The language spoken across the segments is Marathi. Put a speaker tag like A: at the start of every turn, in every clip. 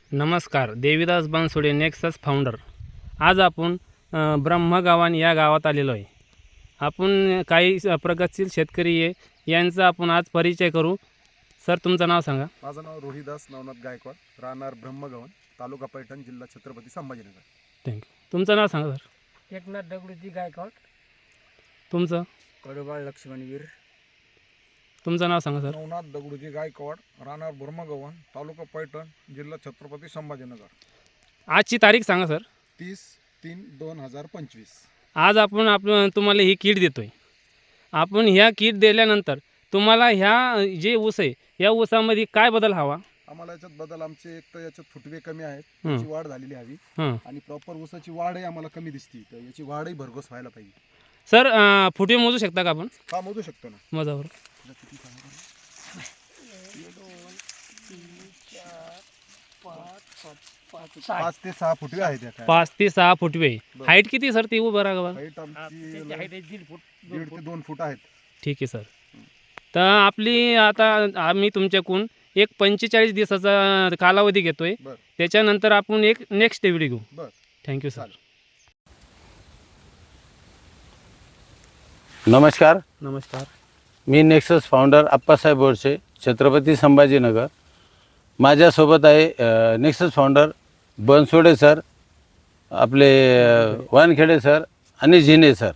A: नमस्कार, देवीदास बनसोडे नेक्सस फाउंडर. आज आपण ब्रह्मगावन या गावात आलेलो आहे. आपण काही प्रगतशील शेतकरी आहे यांचा आपण आज परिचय करू. सर, तुमचं नाव सांगा.
B: माझं नाव रोहिदास नवनाथ गायकवाड, राहणार ब्रह्मगावन, तालुका पैठण, जिल्हा छत्रपती संभाजीनगर.
A: थँक्यू. तुमचं नाव सांगा सर.
C: एकनाथ दगडूजी गायकवाड,
A: तुमचं
C: कडोबाळ लक्ष्मणवीर.
A: तुमचं नाव सांगा सर.
D: नवनाथ दगडूजी गायकवाड, राहणार ब्रह्मगवन, तालुका पैठण, जिल्हा छत्रपती संभाजीनगर.
A: आजची तारीख सांगा सर.
D: 30/3/2025.
A: आज आपण तुम्हाला ही किट देतो आहे. आपण ह्या किट दिल्यानंतर तुम्हाला ह्या जे ऊस आहे या ऊसामध्ये काय बदल हवा?
B: आम्हाला याच्यात बदल, आमचे एक तर याच्यात फुटवे कमी आहेत,
A: हं.
B: याची वाढ झालेली हवी
A: हं.
B: आणि प्रॉपर ऊसाची वाढही आम्हाला कमी दिसती, तर याची वाढही भरघोस व्हायला पाहिजे.
A: सर, फुटे मोजू शकता का आपण?
B: हा, मोजू शकतो ना.
A: माझ्यावर
B: 5 ते 6 फुटवे आहेत या काय.
A: 5 ते 6 फुटवे.
B: बरं.
A: हाईट किती सर ती उभं राहा?
B: हाईट आमची
C: दीड फूट
B: 1.5 ते 2 फूट आहेत.
A: ठीक आहे सर. तर आपली आता आम्ही तुमच्याकडून एक 45 दिवसाचा कालावधी घेतोय.
B: बरं.
A: त्याच्यानंतर आपण एक नेक्स्ट व्हिडिओ घेऊ.
B: बरं.
A: Thank you sir.
B: चालेल.
E: नमस्कार,
A: नमस्कार.
E: मी नेक्सस फाउंडर अप्पासाहेब बोरसे, छत्रपती संभाजीनगर. माझ्यासोबत आहे नेक्सस फाउंडर बनसोडे सर, आपले वानखेडे सर आणि झिने सर.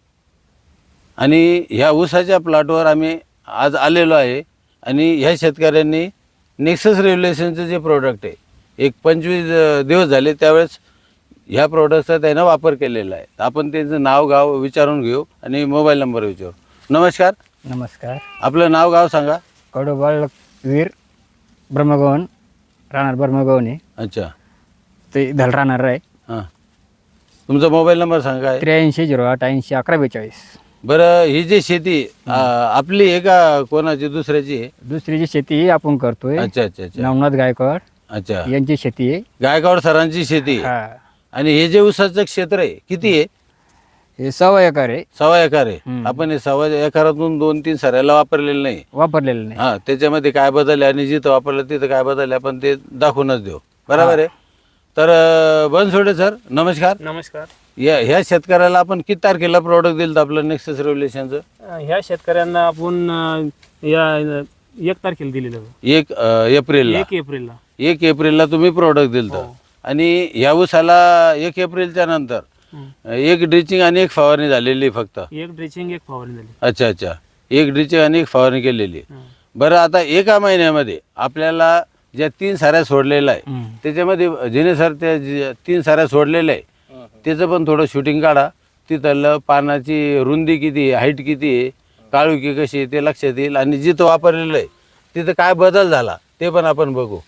E: आणि ह्या ऊसाच्या प्लॉटवर आम्ही आज आलेलो आहे आणि ह्या शेतकऱ्यांनी नेक्सस रेव्होल्युशनचं जे प्रोडक्ट आहे, एक 25 दिवस झाले त्यावेळेस ह्या प्रोडक्टचा त्यानं वापर केलेला आहे. आपण त्यांचं नाव गाव विचारून घेऊ आणि मोबाईल नंबर विचारू. नमस्कार,
C: नमस्कार.
E: आपलं नाव गाव सांगा.
C: कडोबाळ वीर, ब्रह्मगवन, राहणार ब्रह्मगवन आहे.
E: अच्छा,
C: ते धल राहणार आहे.
E: हां, तुमचा मोबाईल नंबर सांगा.
C: 8308801142.
E: बरं, ही जी शेती आपली आहे का कोणाची दुसऱ्याची आहे?
C: दुसरी शेती ही आपण करतोय.
E: अच्छा अच्छा अच्छा
C: नवनाथ गायकवाड
E: अच्छा,
C: यांची शेती आहे.
E: गायकवाड सरांची शेती आहे.
C: हा,
E: आणि हे जे ऊसाचं क्षेत्र आहे किती आहे?
C: हे 1.25 एकर आहे.
E: 1.25 एकर आहे.
C: हम्म.
E: आपण हे 1.25 एकरातून 2-3 सऱ्याला वापरलेलं नाही.
C: वापरलेलं नाही.
E: हां, त्याच्यामध्ये काय बदल आहे आणि जिथं वापरलं तिथं काय बदल आहे आपण ते दाखवूनच देऊ. बरोबर आहे. तर बनसोडे सर, नमस्कार.
A: नमस्कार.
E: ह्या शेतकऱ्याला आपण किती तारखेला प्रोडक्ट दिलं आपलं नेक्सस रेव्होल्युशनचं?
A: ह्या शेतकऱ्यांना आपण या 1 तारखेला दिलेलं आहे.
E: 1 एप्रिलला.
A: 1 एप्रिलला.
E: 1 एप्रिलला तुम्ही प्रोडक्ट दिलं.
A: हो.
E: आणि ह्या ऊसाला 1 एप्रिलच्या नंतर एक ड्रिचिंग आणि एक फवारणी झालेली फक्त.
A: एक ड्रेचिंग, एक फवारणी झाली.
E: अच्छा अच्छा, एक ड्रिचिंग आणि एक फवारणी केलेली.
A: हं.
E: बरं, आता एका महिन्यामध्ये आपल्याला ज्या 3 साऱ्या सोडलेल्या आहे
C: हम्म.
E: त्याच्यामध्ये जिने सर त्या 3 साऱ्या सोडलेल्या आहे त्याचं पण थोडं शूटिंग काढा. तिथलं पानाची रुंदी किती आहे, हाईट किती आहे, काळुकी कशी आहे ते लक्षात येईल. आणि जिथं वापरलेलं आहे तिथं काय बदल झाला ते पण आपण बघू.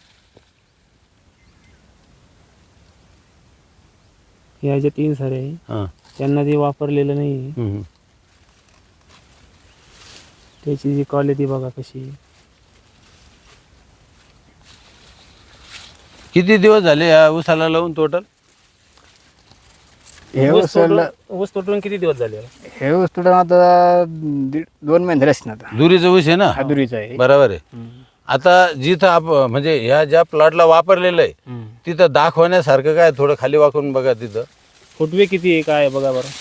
A: ह्या ज्या 3 सारे आहे
E: हां.
A: त्यांना ते वापरलेलं नाही आहे.
E: हम्म.
A: त्याची जी क्वालिटी बघा कशी आहे.
E: किती दिवस झाले या ऊसाला लावून टोटल?
C: हे
A: ऊस
C: ऊस
A: ऊस तोडून किती दिवस झाले?
C: हे ऊस तुडून आता 2 महिने झाले असतील आता.
E: दुरीचं ऊस आहे ना?
C: हा दुरीचा आहे.
E: बरोबर आहे.
C: हम्म.
E: आता जिथं म्हणजे ह्या ज्या प्लॉटला वापरलेलं आहे
C: हम्म.
E: तिथं दाखवण्यासारखं काय, थोडं खाली वाकून बघा तिथं.
A: फुटवे किती आहे काय आहे बघा बरं.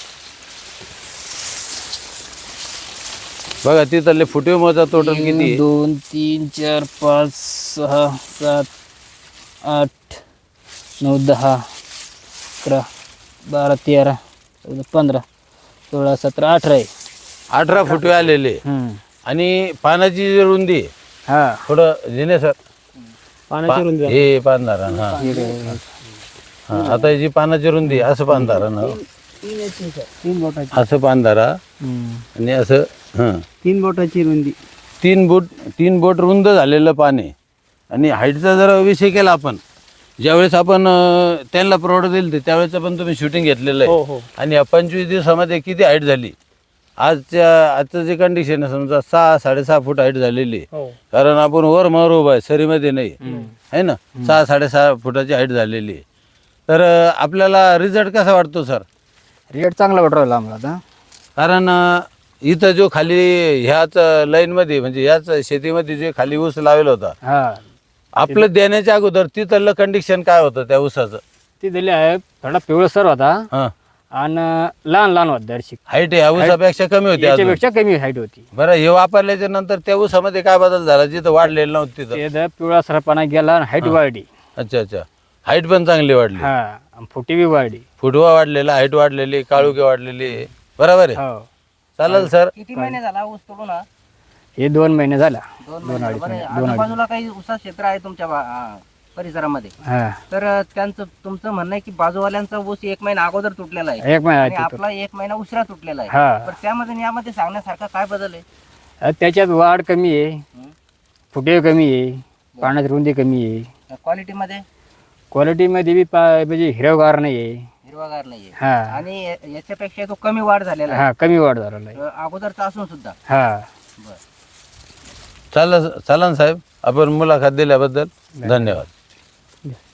E: बघा तिथले फुटवे मोजा टोटल किती आहे.
C: 2 3 4 5 6 7 8 9 10 11 12 13 14 15 16 17 18 आहे.
E: 18 फुटवे आलेले. आणि पानाची जी रुंदी आहे,
C: हा,
E: थोडं जिने सर
A: पाण्याची रुंदी आहे.
E: हे पानधारण. हा हा, आता ही जी पानाची रुंदी आहे, असं पानधारण,
C: 3 बोटाची.
E: असं पानधारा आणि असं. हां,
C: 3 बोटाची रुंदी.
E: 3 बोट रुंद झालेलं पान आहे. आणि हाईटचा जर विषय केला आपण, ज्यावेळेस आपण त्यांना प्रोडक्ट दिलं त्यावेळेचं पण तुम्ही शूटिंग घेतलेलं
A: हो
E: आहे.
A: हो.
E: आणि या 25 दिवसामध्ये किती हाईट झाली? आजचं जे कंडिशन आहे समजा 6-6.5 फूट हाईट झालेली आहे.
A: हो.
E: कारण आपण वर मर उभा आहे, सरीमध्ये नाही आहे ना. 6-6.5 फुटाची हाईट झालेली आहे. तर आपल्याला रिझल्ट कसा वाटतो सर?
C: रेट चांगला वाटू राहिला आम्हाला आता.
E: कारण इथं जो खाली ह्याच लाईनमध्ये म्हणजे ह्याच शेतीमध्ये जे खाली ऊस लावलेला होता,
C: हा,
E: आपलं देण्याच्या अगोदर तिथलं कंडिशन काय होतं त्या ऊसाचं?
C: ती दिली आहे थोडा पिवळसर होता
E: हा,
C: आणि लहान लहान होता दर्शिक,
E: हाईट या ऊसापेक्षा कमी होती अजून.
C: याच्यापेक्षा कमी हाईट होती.
E: बरं, हे वापरल्याच्या नंतर त्या ऊसामध्ये काय बदल झाला जिथं वाढलेलं नव्हतं तिथं?
C: ते पिवळसरपणा गेला आणि हाईट वाढली.
E: अच्छा अच्छा, हाईट पण चांगली वाढली,
C: हा आणि फुटी बी वाढली.
E: फुटवा वाढलेला, हाईट वाढलेली, काळुकी वाढलेली. बरोबर आहे.
C: हो,
E: चालेल सर.
F: किती महिने झाला ऊस तोडून हा?
C: हे 2 महिने झाला.
F: 2
C: दोन अडीच
F: बरं,
C: महिने, 2 अडीच.
F: आजूबाजूला काही ऊसा क्षेत्र आहे तुमच्या परिसरामध्ये,
C: हा,
F: तर त्यांचं तुमचं म्हणणं आहे की बाजूवाल्यांचा ऊस 1 महिना अगोदर तुटलेला आहे
C: 1 महिना
F: आणि
C: आहे तिथं.
F: आपला 1 महिना उशिरा तुटलेला आहे.
C: हा,
F: तर त्यामध्ये आणि यामध्ये सांगण्यासारखा काय बदल आहे?
C: त्याच्यात वाढ कमी आहे, फुटे कमी आहे, पाण्याची रुंदी कमी आहे,
F: क्वालिटीमध्ये
C: क्वालिटीमध्ये बी म्हणजे हिरवगार नाही आहे.
F: हिरवागार नाहीये
C: हा,
F: आणि याच्यापेक्षा तो कमी वाढ झालेला आहे
C: हा, कमी वाढ झालेला आहे.
F: अगोदरचा असून सुद्धा.
C: हा,
F: बरं.
E: चालेल साहेब, आपण मुलाखत दिल्याबद्दल धन्यवाद.